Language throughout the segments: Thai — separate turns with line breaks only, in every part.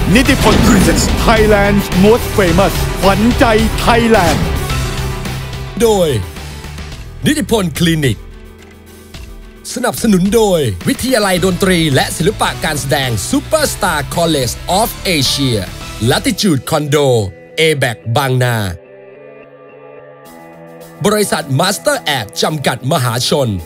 นิติพล Presents Thailand's Most Famous ขวัญใจไทยแลนด์
โดยนิติพลคลินิกสนับสนุนโดยวิทยาลัยดนตรีและศิลปะการแสดง Superstar College of Asia Latitude Condo A-Back บางนาบริษัท Master App จำกัดมหาชน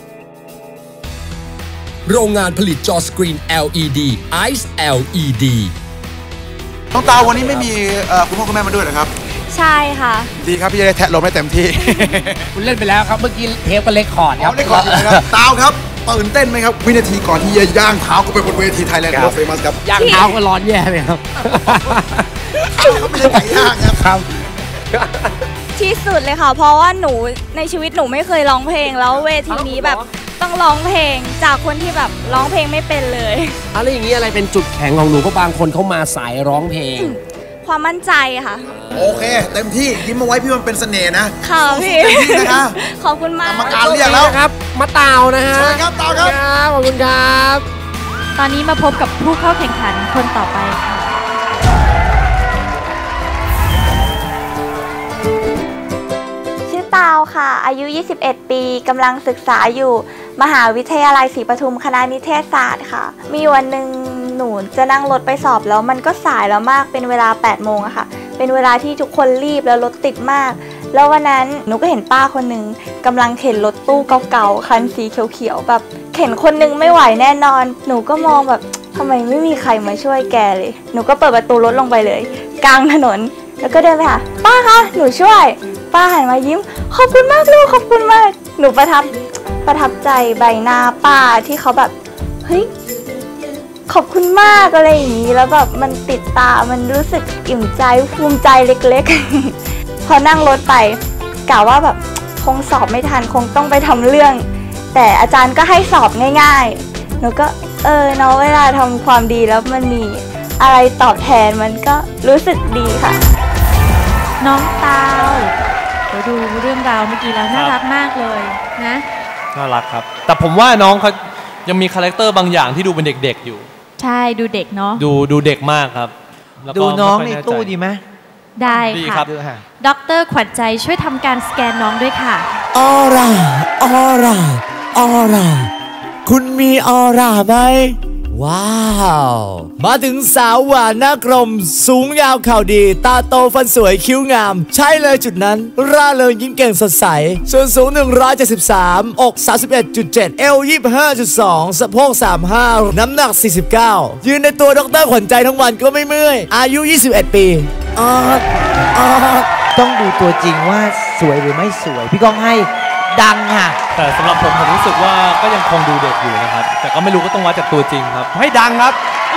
โรงงานผลิตจอสกรีน LED Ice LED
น้องตาวันนี้ไม่มีคุณพ่อคุณแม่มาด้วยนะครับ
ใช่ค่ะ
ดีครับพี่จะได้แทะลมได้เต็มที่
คุณเล่นไปแล้วครับเมื่อกี้เทปก็เล็กคอร์ดครับ
เล็กคอร์ดนะครับตาวครับตื่นเต้นไหมครับวินาทีก่อนที่จะย่างเท้าก็ไปบนเวทีไทยแลนด์Most Famousครับ
ย่างเท้าก็ร้อนแย่เลยครับ
เขาไม่ใช่ไก่ย่าง
ครับ
ที่สุดเลยค่ะเพราะว่าหนูในชีวิตหนูไม่เคยร้องเพลงแล้วเวทีนี้แบบต้องร้องเพลงจากคนที่แบบร้องเพลงไม่เป็นเลย
อะไรอย่างนี้อะไรเป็นจุดแข็งของหนูเพราะบางคนเขามาสายร้องเพลง
ความมั่นใจค่ะ
โอเคเต็มที่ยิ้มมาไว้พี่มันเป็นเสน่ห์นะ
ค่ะพี่
นะคะ
ขอบคุณมาก
กรรมการเรียกแล้ว
ครับมาเต่านะฮะ
สวัสดีครับเต่าครับ
ขอบคุณครับ
ตอนนี้มาพบกับผู้เข้าแข่งขันคนต่อไปค่ะชื่อเต่าค่ะอายุ 21 ปีกำลังศึกษาอยู่มหาวิทยาลัยศรีปทุมคณะนิเทศศาสตร์ค่ะมีวันหนึ่งหนูจะนั่งรถไปสอบแล้วมันก็สายแล้วมากเป็นเวลา 8 โมงอะค่ะเป็นเวลาที่ทุกคนรีบแล้วรถติดมากแล้ววันนั้นหนูก็เห็นป้าคนหนึ่งกำลังเข็นรถตู้เก่าๆคันสีเขียวๆแบบเข็นคนนึงไม่ไหวแน่นอนหนูก็มองแบบทำไมไม่มีใครมาช่วยแกเลยหนูก็เปิดประตูรถลงไปเลยกลางถนนแล้วก็เดินไปหาป้าคะหนูช่วยป้าหันมายิ้มขอบคุณมากลูกขอบคุณมากหนูประทับใจใบหน้าป้าที่เขาแบบเฮ้ยขอบคุณมากอะไรอย่างนี้แล้วแบบมันติดตามันรู้สึกอิ่มใจภูมิใจเล็กๆ พอนั่งรถไปกะว่าแบบคงสอบไม่ทันคงต้องไปทำเรื่องแต่อาจารย์ก็ให้สอบง่ายๆหนูก็เนาะเวลาทำความดีแล้วมันมีอะไรตอบแทนมันก็รู้สึกดีค่ะน้องเตาดูเรื่องราวเมื่อกี้แล้วน่ารักมากเลยนะ
น่ารักครับแต่ผมว่าน้องเขายังมีคาแรคเตอร์บางอย่างที่ดูเป็นเด็กๆอยู่
ใช่ดูเด็กเนาะ
ดูเด็กมากครับ
ดูน้องในตู้ดีไหม
ได้ค่ะดร.ขวัญใจช่วยทำการสแกนน้องด้วยค่ะ
ออร่าออร่าออร่าคุณมีออร่าไหมว้าวมาถึงสาวหวานหน้ากลมสูงยาวเข่าดีตาโตฟันสวยคิ้วงามใช่เลยจุดนั้นร่าเริงยิ้มเก่งสดใสส่วนสูง173อก 31.7 เอว 25.2 สะโพก 35 น้ำหนัก 49 ยืนในตัวดร.ขวัญใจทั้งวันก็ไม่เมื่อยอายุ 21 ปี
ต้องดูตัวจริงว่าสวยหรือไม่สวยพี่ก้องให้ดังค่ะ
แต่สำหรับผมรู้สึกว่าก็ยังคงดูเด็กอยู่นะครับแต่ก็ไม่รู้ก็ต้องวัดจากตัวจริงครับให้ดังครับ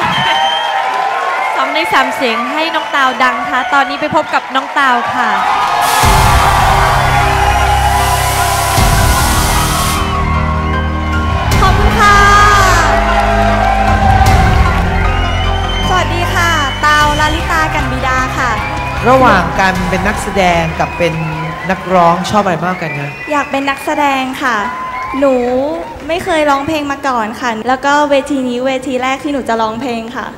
2 ใน 3เสียงให้น้องตาวดังค่ะตอนนี้ไปพบกับน้องตาวค่ะขอบคุณค่ะสวัสดีค่ะตาวลลิตากันบิดาค่ะ
ระหว่างการเป็นนักแสดงกับเป็นนักร้องชอบอะไรมากกันนะ
อยากเป็นนักแสดงค่ะหนูไม่เคยร้องเพลงมาก่อนค่ะแล้วก็เวทีนี้เวทีแรกที่หนูจะร้องเพลงค่ะ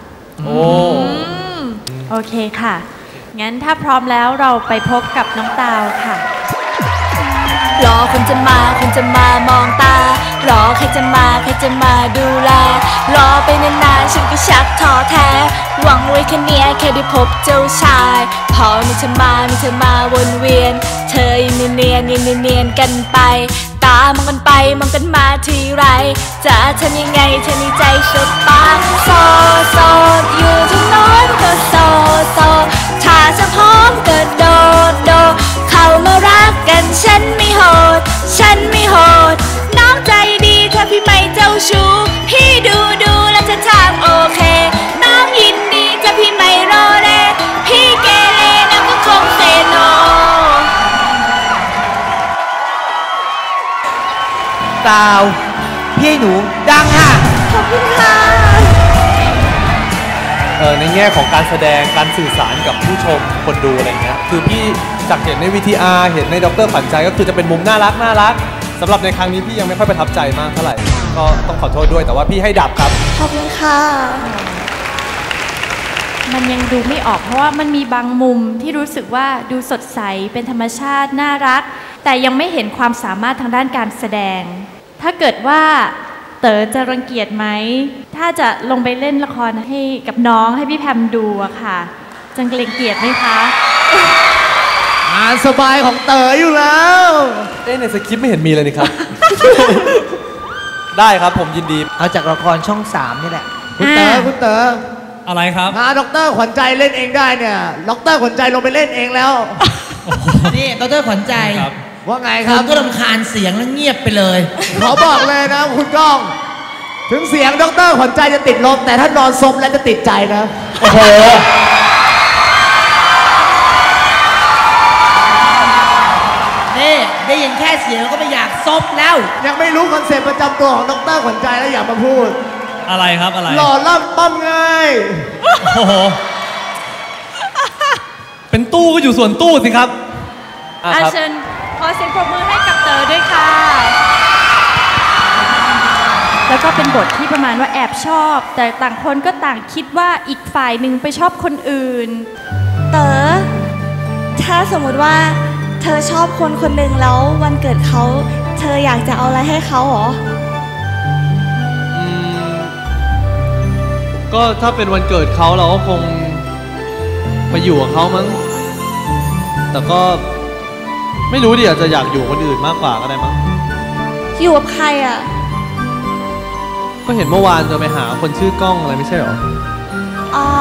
โอเคค่ะงั้นถ้าพร้อมแล้วเราไปพบกับน้องตาวค่ะรอคนจะมามองตารอใครจะมาดูแลรอไปนานๆฉันก็ชักท้อแท้หวังไว้แค่เนี้ยแค่ได้พบเจ้าชายพอมีเธอมาวนเวียนเธอยังเนียนกันไปตามองกันไปมองกันมาทีไรจะทำยังไงเธอในใจสดปาโซอยู่ทั้งโน้นก็โซถ้าจะพร้อมก็โดเข้ามารักกันฉันไม่โหดน้องใจดีถ้าพี่ไม่เจ้าชู้พี่ดูแล้วจะทางโอเคน้องยินดีถ้าพี่ไม่รอแลพี่เกเรน้องก็คงเซโน
ตาวพี่หนูดังค่ะ
ขอบคุณค่ะ
ในแง่ของการแสดงการสื่อสารกับผู้ชมคนดูอะไรเงี้ยคือพี่จากเห็นใน VTR เห็นในดร.ขวัญใจก็คือจะเป็นมุมน่ารักสำหรับในครั้งนี้พี่ยังไม่ค่อยประทับใจมากเท่าไหร่ก็ต้องขอโทษด้วยแต่ว่าพี่ให้ดับครับ
ขอบคุณค่ะ
มันยังดูไม่ออกเพราะว่ามันมีบางมุมที่รู้สึกว่าดูสดใสเป็นธรรมชาติน่ารักแต่ยังไม่เห็นความสามารถทางด้านการแสดงถ้าเกิดว่าเต๋อจะรังเกียจไหมถ้าจะลงไปเล่นละครให้กับน้องให้พี่แพมดูอะค่ะจะรังเกียจไหมคะ
งานสบายของเต๋ออยู่แล้ว
ในสคริปต์ไม่เห็นมีเลยนี่ครับ ได้ครับผมยินดี
เอาจากละครช่อง 3นี่แหละ
คุณเต๋อ
อะไรครับ
ดร.ขวัญใจเล่นเองได้เนี่ยดร.ขวัญใจลงไปเล่นเองแล้ว
นี่ดร.ขวัญใจ
ว่าไงครับ
ก็รำคาญเสียงแล้วเงียบไปเลย
ขอบอกเลยนะคุณก้องถึงเสียงดร.ขวัญใจจะติดลมแต่ถ้านอนซบแล้วจะติดใจนะ
โอ้โห
นี่ได้ยินแค่เสียงก็ไม่อยากซบแล้ว
ยังไม่รู้คอนเซ็ปต์ประจำตัวของดร.ขวัญใจแล้วอย่ามาพูด
อะไรครับอะไร
หล่อล่ำปั้มง่าย
โอ้โหเป็นตู้ก็อยู่ส่วนตู้สิครับ
เชิญขอเสียงปรบมือให้กับเต๋อด้วยค่ะแล้วก็เป็นบทที่ประมาณว่าแอบชอบแต่ต่างคนก็ต่างคิดว่าอีกฝ่ายหนึ่งไปชอบคนอื่น
เต๋อถ้าสมมติว่าเธอชอบคนคนหนึ่งแล้ววันเกิดเขาเธออยากจะเอาอะไรให้เขาหรอ
ก็ถ้าเป็นวันเกิดเขาเราก็คงไปอยู่กับเขามั้งแต่ก็ไม่รู้ดิอาจจะอยากอยู่คนอื่นมากกว่าก็ได้มั้ง
อยู่กับใครอ่ะ
ก็เห็นเมื่อวานจะไปหาคนชื่อก้องอะไรไม่ใช่หรอ
อ๋อ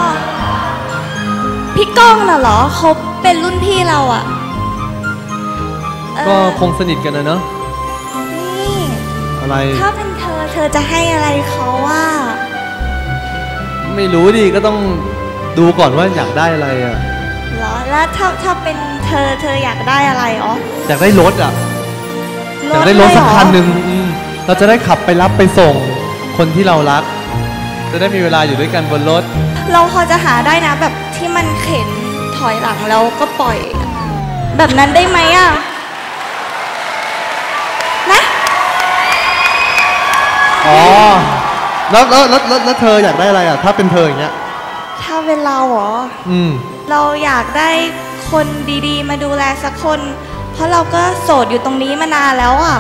พี่ก้องน่ะเหรอเขาเป็นรุ่นพี่เราอ่ะ
ก็คงสนิทกันนะเนอะ
นี่
อะไร
ถ้าเป็นเธอจะให้อะไรเขาว่า
ไม่รู้ดิก็ต้องดูก่อนว่าอยากได้อะไรอ่ะ
เหรอแล้วถ้าเป็นเธออยากได้อะไรอ๋อ
อยากได้รถอ่ะอยากได้รถสักคันหนึ่งเราจะได้ขับไปรับไปส่งคนที่เรารักจะได้มีเวลาอยู่ด้วยกันบนรถ
เราพอจะหาได้นะแบบที่มันเข็นถอยหลังแล้วก็ปล่อยแบบนั้นได้ไหมอ่ะนะ
อ๋อแล้วเธออยากได้อะไรอ่ะถ้าเป็นเธออย่างเงี้ย
ถ้าเป็นเราเหรอเราอยากได้คนดีๆมาดูแลสักคนเพราะเราก็โสดอยู่ตรงนี้มานานแล้วอ่ะ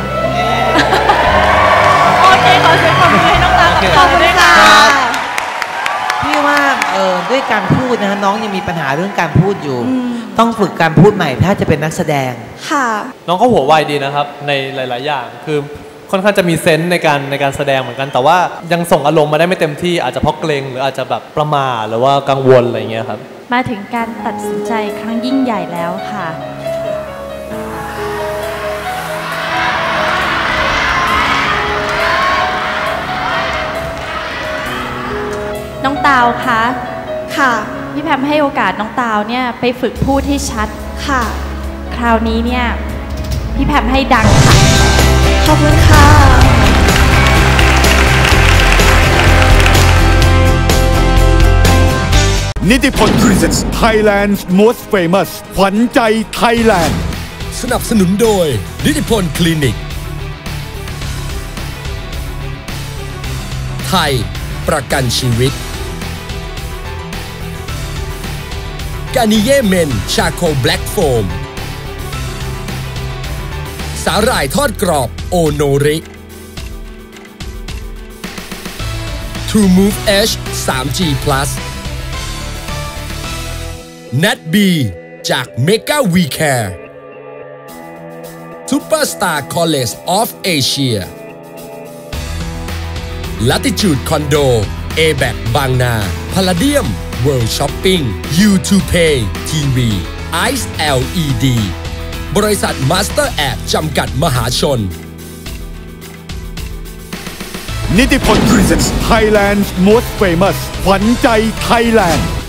โอเคขอเสียงปรบมือให้น้องตากับเต๋อด้วยค่ะ
พี่ว่าด้วยการพูดนะน้องยังมีปัญหาเรื่องการพูดอยู่ต้องฝึกการพูดใหม่ถ้าจะเป็นนักแสดง
ค่ะ
น้องเขาหัวไวดีนะครับในหลายๆอย่างคือค่อนข้างจะมีเซนส์ในการแสดงเหมือนกันแต่ว่ายังส่งอารมณ์มาได้ไม่เต็มที่อาจจะเพราะเกรงหรืออาจจะแบบประมาทหรือว่ากังวลอะไรเงี้ยครับ
มาถึงการตัดสินใจครั้งยิ่งใหญ่แล้วค่ะน้องตาวคะ
ค่ะ
พี่แพมให้โอกาสน้องตาวเนี่ยไปฝึกพูดให้ชัด
ค่ะ
คราวนี้เนี่ยพี่แพมให้ดังค่ะ
ขอบคุณค่ะ
นิติพล Presents Thailand's Most Famous ขวัญใจไทยแลนด์
สนับสนุนโดยนิติพลคลินิกไทยประกันชีวิตกานิเย่เมนชาโคแบล็กโฟมสาหร่ายทอดกรอบโอโนริ True Move H 3G Plus Nat B จาก Mega We Care Superstar College of Asia Latitude Condo A-Back บางนา Palladium World Shopping U2Pay TV Ice LED บริษัท Master App จำกัดมหาชน
นิติพล Presents Thailand's Most Famous ขวัญใจไทยแลนด์